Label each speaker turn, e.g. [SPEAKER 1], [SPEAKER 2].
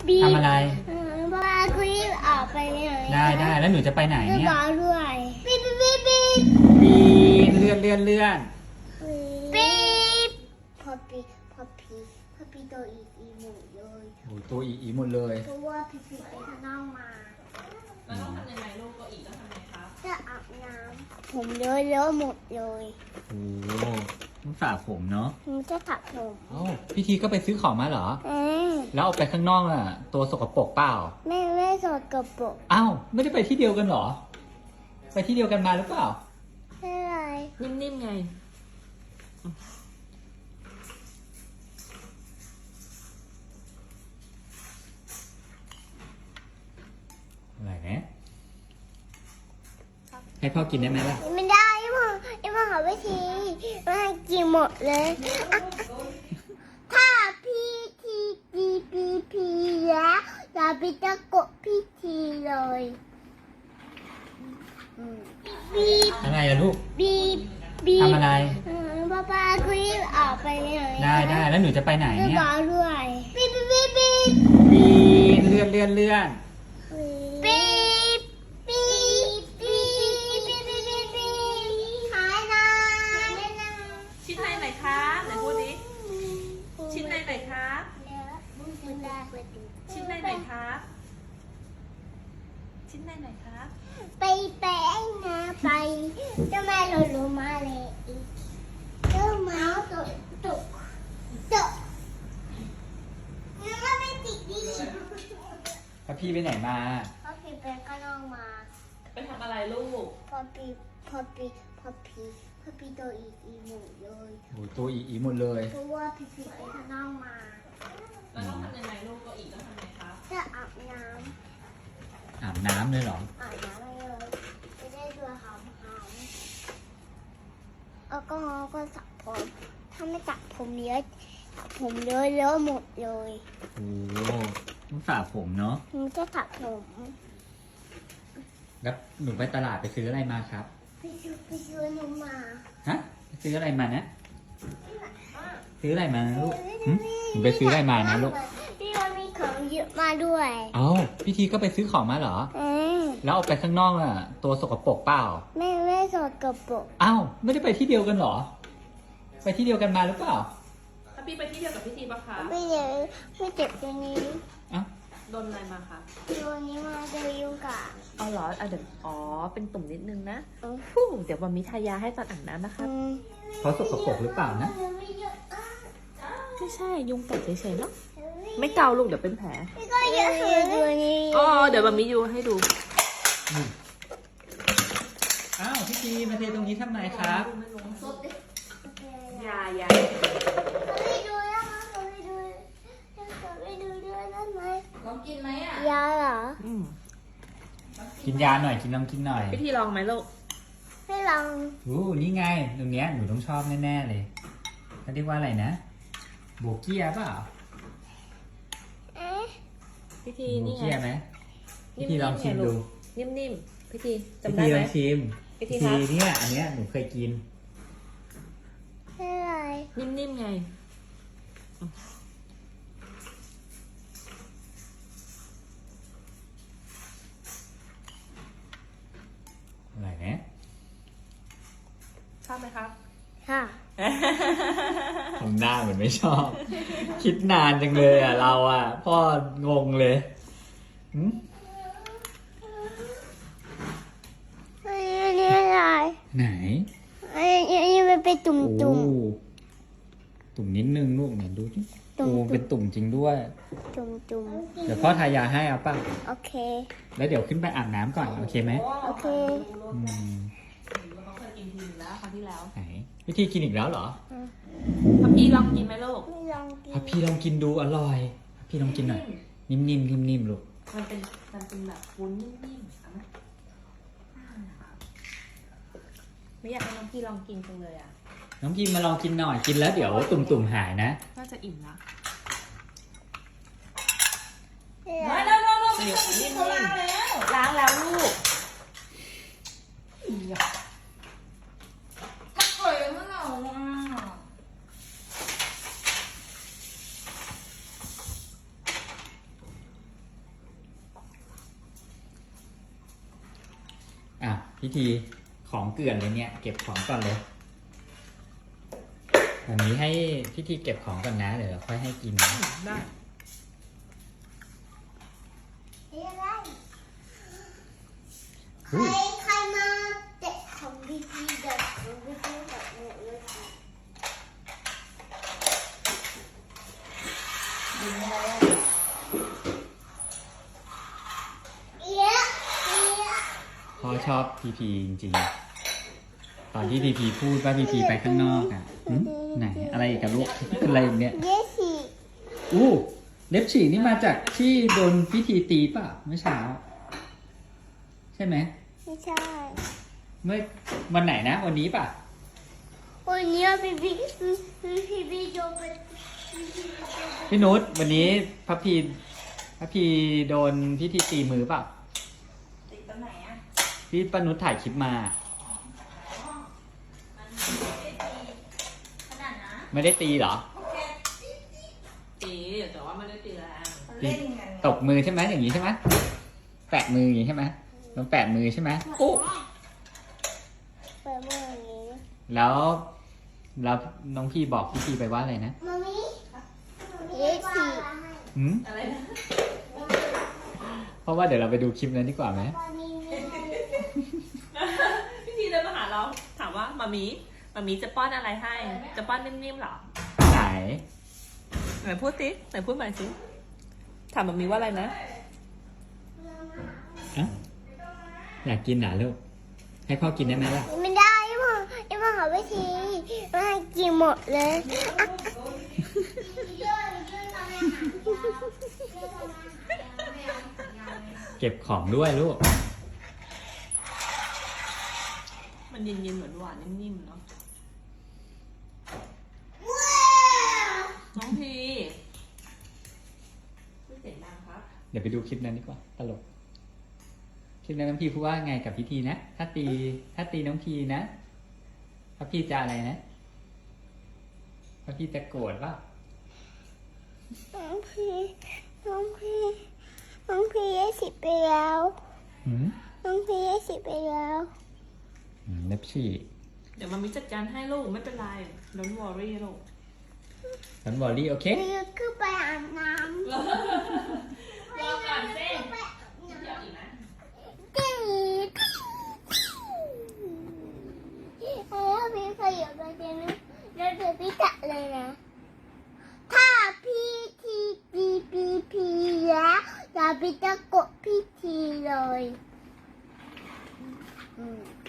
[SPEAKER 1] ทำอะไร
[SPEAKER 2] บ้าคุยออกไปไหน
[SPEAKER 1] ได้แล้วหนูจะไปไหนเนี่ย
[SPEAKER 2] บ้าด้วยปี๊บ
[SPEAKER 1] ปีนเลื่อน
[SPEAKER 2] ปี๊บพอปีตัวอีหมูเลย
[SPEAKER 1] โอ้ตัวอีหมดเลย
[SPEAKER 2] เพราะว่าพี่ไปข้างนอกมา
[SPEAKER 3] แล้วต้องทำยังไงลูกก็อีกต้องทำยังไงครับ
[SPEAKER 2] จะอาบน้ำผมเลอะหมดเลย
[SPEAKER 1] โอ้ต้องสระผมเนาะ
[SPEAKER 2] ผมจะถักผม
[SPEAKER 1] โอ้พี่ทีก็ไปซื้อของมาเหรอ
[SPEAKER 2] เออ
[SPEAKER 1] แล้วเอาไปข้างนอกอ่ะ ตัวสกปรกเปล่า
[SPEAKER 2] ไม่สดกระปุก
[SPEAKER 1] อ้าวไม่ได้ไปที่เดียวกันเหรอ ไปที่เดียวกันมาหรือเปล่า
[SPEAKER 2] อะไร
[SPEAKER 3] นิ่มๆไง
[SPEAKER 1] อะไรนะให้พ่อกินได้ไหมล่ะ
[SPEAKER 2] ไม่ได้พ่อหาวิธีมาให้กินหมดเลยอ่ะถ้าพี่ทีแล้วอย่าไปตะกดพี่ทีเลยบีบ
[SPEAKER 1] อะไรล่ะลูก
[SPEAKER 2] บีบ
[SPEAKER 1] ทำอะไร
[SPEAKER 2] ป้าคุยออกไปไหน
[SPEAKER 1] ได้แล้วหนูจะไปไหนเนี่ย
[SPEAKER 2] บ้าด้วยปี๊บ
[SPEAKER 1] ปีนเลื่อน
[SPEAKER 2] ปี๊บปี๊บหายนะ
[SPEAKER 3] ชิ้นในไหนครับไหนพูดดิชิ้นในไหนครับชิ้นในไหนครับชิ้นในไหนครับ
[SPEAKER 2] ไปแป้งนะไปจะมาลงมาเลยอีกเจ้าเมาส์ตุกนี่ก็ไม่ติดดี
[SPEAKER 1] แล้วพี่ไปไหนมา
[SPEAKER 2] พอพี่ไปก็ลองมา
[SPEAKER 3] ไปทำอะไรลูก
[SPEAKER 2] พอพี่ตัวอีหมูเลย
[SPEAKER 1] โอ้ตัวอีหมดเลย
[SPEAKER 2] เพราะว่าพี่ไปข้างนอกมา
[SPEAKER 3] แล้วต้องทำยังไงลูกก็อีกต้องทำยังไงครับ
[SPEAKER 2] จะอาบน้
[SPEAKER 1] อาบน้ำเลยเหรอ
[SPEAKER 2] ำเลยจะได้ตัวหอมแล้วก็สระผมถ้าไม่สระผมเยอะหมดเลย
[SPEAKER 1] โอ้ต้องสระผมเนาะ
[SPEAKER 2] ผมจะสระผม
[SPEAKER 1] แล้วหนูไปตลาดไปซื้ออะไรมาครับ
[SPEAKER 2] ไปซื้อหนูมา
[SPEAKER 1] ฮะไปซื้ออะไรมานะ ซื้ออะไรมานะลูกหึหนูไปซื้ออะไรมานะลูก
[SPEAKER 2] พี่วันมีของเยอะมาด้วย
[SPEAKER 1] เอ้าพี่ทีก็ไปซื้อของมาเหรอ
[SPEAKER 2] เออ
[SPEAKER 1] แล้วเอาไปข้างนอกอ่ะ ตัวสกปรกเปล่า
[SPEAKER 2] ไม่สดกระปุก
[SPEAKER 1] อ้าวไม่ได้ไปที่เดียวกันเหรอ ไปที่เดียวกันมาหรือเปล่า
[SPEAKER 3] ถ้าพี่ไปที่เดียวกับพี่ทีปะคะ
[SPEAKER 2] ไม่เจ็บตัวนี้
[SPEAKER 1] อ้าว
[SPEAKER 3] โดนอะไรมาคะ
[SPEAKER 2] ตัวนี้มาจะยุ่งกับ
[SPEAKER 3] อ๋อเหรอเดี๋ยวเป็นตุ่มนิดนึงนะ
[SPEAKER 2] อืม
[SPEAKER 3] ฟู่เดี๋ยววันมีทายาให้ตอนอาบน้ำนะคะ
[SPEAKER 1] เขาสกปรกหรือเปล่านะ
[SPEAKER 3] ไม่ใช่ยุงกัดเฉยๆเนาะไม่เกาลูกเดี๋ยวเป็นแผล
[SPEAKER 2] พี่ก็เยอะตัวนี้
[SPEAKER 3] อ๋อเดี๋ยววันมียูให้ดู
[SPEAKER 1] อ้าวพี่ทีมาเทตรงนี้ทำไมครับ
[SPEAKER 3] ยา
[SPEAKER 2] เขาไปดูแล้วมั้งเขาไปดูด้วยได้ไหม
[SPEAKER 3] ลองกินไหมอ่ะ
[SPEAKER 2] ยาเหรอ
[SPEAKER 1] กินยาหน่อยลองกินหน่อย
[SPEAKER 3] พี่ทีลองไหมลูก
[SPEAKER 2] ให้ลอง
[SPEAKER 1] นี่ไง ตรงเนี้ยหนูต้องชอบแน่ๆเลยเขาเรียกว่าอะไรนะ โบเกียเปล่า
[SPEAKER 2] เอ๊ะ
[SPEAKER 3] พี่ที
[SPEAKER 1] โบ
[SPEAKER 3] นี่ไง
[SPEAKER 1] เกียไหมพี่ทีลองชิมดู
[SPEAKER 3] นิ่มๆพี่ที
[SPEAKER 1] พี่
[SPEAKER 3] จำได้
[SPEAKER 1] ที
[SPEAKER 3] ไห
[SPEAKER 1] ล
[SPEAKER 3] ม
[SPEAKER 1] องชิม
[SPEAKER 3] พี่ที
[SPEAKER 1] พี่
[SPEAKER 3] ครับ
[SPEAKER 1] ทีเนี่ยอันเนี้ยหนูเคยกิน
[SPEAKER 2] ให้อะไร
[SPEAKER 3] นิ่มๆไง
[SPEAKER 1] อะไรนะ
[SPEAKER 3] ชอบไหมครับ
[SPEAKER 2] ค่ะ
[SPEAKER 1] ทำหน้าเหมือนไม่ชอบ คิดนานจังเลยอ่ะเราอ่ะ พ่องงเลยหึ
[SPEAKER 2] อันนี้อะไร
[SPEAKER 1] ไหน
[SPEAKER 2] อันนี้มันเป็นตุ่ม
[SPEAKER 1] โอ้ตุ่มนิดนึงลูกเนี่ยดูสิ
[SPEAKER 2] ตุ่ม
[SPEAKER 1] โอ้เป็นตุ่มจริงด้วย
[SPEAKER 2] ตุ่มตุ่ม
[SPEAKER 1] เดี๋ยวพ่อทายาให้เอาป่ะ
[SPEAKER 2] โอเค
[SPEAKER 1] แล้วเดี๋ยวขึ้นไปอาบน้ำก่อนโอเคไหม
[SPEAKER 2] โอเค
[SPEAKER 1] อืม
[SPEAKER 3] เขาเคยกินทีนึงแล้วครั้งที่แล้ว
[SPEAKER 1] ไหนวิธีกินอีกแล้วเหรอ
[SPEAKER 3] พับพี่ลองกินไหมลูก
[SPEAKER 2] ไม่ลองกิน
[SPEAKER 1] อ่ะพี่ลองกินดูอร่อยพี่ลองกินหน่อยนิ่มๆลูก
[SPEAKER 3] มันเป็นแบบวุ้นนิ่มๆเอาไหมไม่อยากให้น้องพี่ลองกินจังเลยอ่ะ
[SPEAKER 1] น้องพิมมาลองกินหน่อยกินแล้วเดี๋ยวตุ่มๆหายนะ
[SPEAKER 3] น่าจะอิ่มละ
[SPEAKER 2] เอ๊ะ
[SPEAKER 3] เดี๋ยวนิ่มๆล้างแล้วลูก
[SPEAKER 1] พิธีของเกลื่อนเลยเนี่ย เก็บของก่อนเลยแบบนี้ให้พิธีเก็บของก่อนนะเดี๋ยวเราค่อยให้กินนะ
[SPEAKER 3] ได้
[SPEAKER 2] เฮ้ยอะไร
[SPEAKER 1] อุ้ย
[SPEAKER 2] ใครมาเตะของพี่พีเด็กของพี่พีแบบหมดเลยค่ะยิงอะไรอ่ะเอี้ยเอี้ย
[SPEAKER 1] พ่อชอบพีพีจริงๆ ตอนที่พีพีพูดว่าพีพีไปข้างนอกอ่ะหึไหนอะไรอีกกับลูกอะไรอีกเนี่ย
[SPEAKER 2] เย้สิ
[SPEAKER 1] อู้เล็บฉีกนี่มาจากที่โดนพิธีตีป่ะเมื่อเช้า ใช่ไหม
[SPEAKER 2] ไม่ใช่
[SPEAKER 1] เมื่อวันไหนนะ วันนี้ป่ะ
[SPEAKER 2] วันนี้พี่พีโยนไป
[SPEAKER 1] พี่นุชวันนี้พระพีโดนพิธีตีมือป่ะ
[SPEAKER 3] ติดตรงไหนอ่ะ
[SPEAKER 1] พี่ป้านุชถ่ายคลิปมา
[SPEAKER 3] ขนาดนะ
[SPEAKER 1] ไม่ได้ตีเหรอ
[SPEAKER 3] ตีแต่ว่าไม่ได้ตีแรง
[SPEAKER 1] ตีตบมือใช่ไหมอย่างนี้ใช่ไหมแปะมืออย่างนี้ใช่ไหมลองแปะมือใช่ไหมโอ้
[SPEAKER 2] ไปเมื่อนี้
[SPEAKER 1] แล้วน้องพี่บอกพิธีไปว่าอะไรนะ
[SPEAKER 2] มามิเย้สิ
[SPEAKER 1] หืม
[SPEAKER 3] อะไรนะ
[SPEAKER 1] เพราะว่าเดี๋ยวเราไปดูคลิปนั้นดีกว่าไหม
[SPEAKER 2] วันนี้มีอะไร
[SPEAKER 3] พี่ทีเดินมาหาเรา ถามว่ามามีจะป้อนอะไรให้ จะป้อนนิ่มๆเหรอ
[SPEAKER 1] ไหน
[SPEAKER 3] ไหนพูดสิไหนพูดใหม่สิถามมามีว่าอะไรนะ
[SPEAKER 1] อะอยากกินเหรอลูก ให้พ่อกินได้ไหมล่ะ
[SPEAKER 2] ไม่ได้ยังมาหาวิธีมาให้กินหมดเลยอ่ะ
[SPEAKER 1] เก็บของด้วยลูก
[SPEAKER 3] มันเย็นๆหวานๆนิ่มๆเนาะ น้องพีพูดเสียงดังครับ
[SPEAKER 1] เดี๋ยวไปดูคลิปนั้นดีกว่า ตลก คลิปนั้นน้องพีพูดว่าไงกับพิธีนะ ถ้าตีน้องพีนะพระพี่จะอะไรนะพระพี่จะโกรธป่ะ
[SPEAKER 2] น้องพี20ไปแล้ว
[SPEAKER 1] หืม
[SPEAKER 2] น้องพี20ไปแล้ว
[SPEAKER 1] เล็บฉีก
[SPEAKER 3] เดี๋ยวมามีจัดการให้ลูกไม่เป็นไร don't worry ลูก
[SPEAKER 1] สันบอรี่โอเค
[SPEAKER 2] พี่คือไปอาบน้ำ
[SPEAKER 3] รอก่อนเส้นเดี๋ยวอีกนะ
[SPEAKER 2] จีแล้วพี่ขยับไปเจนแล้วเดี๋ยวพี่จัดเลยนะ ถ้าพี่ทีจีพีพีแล้วอย่าพี่จะกดพี่ทีเลย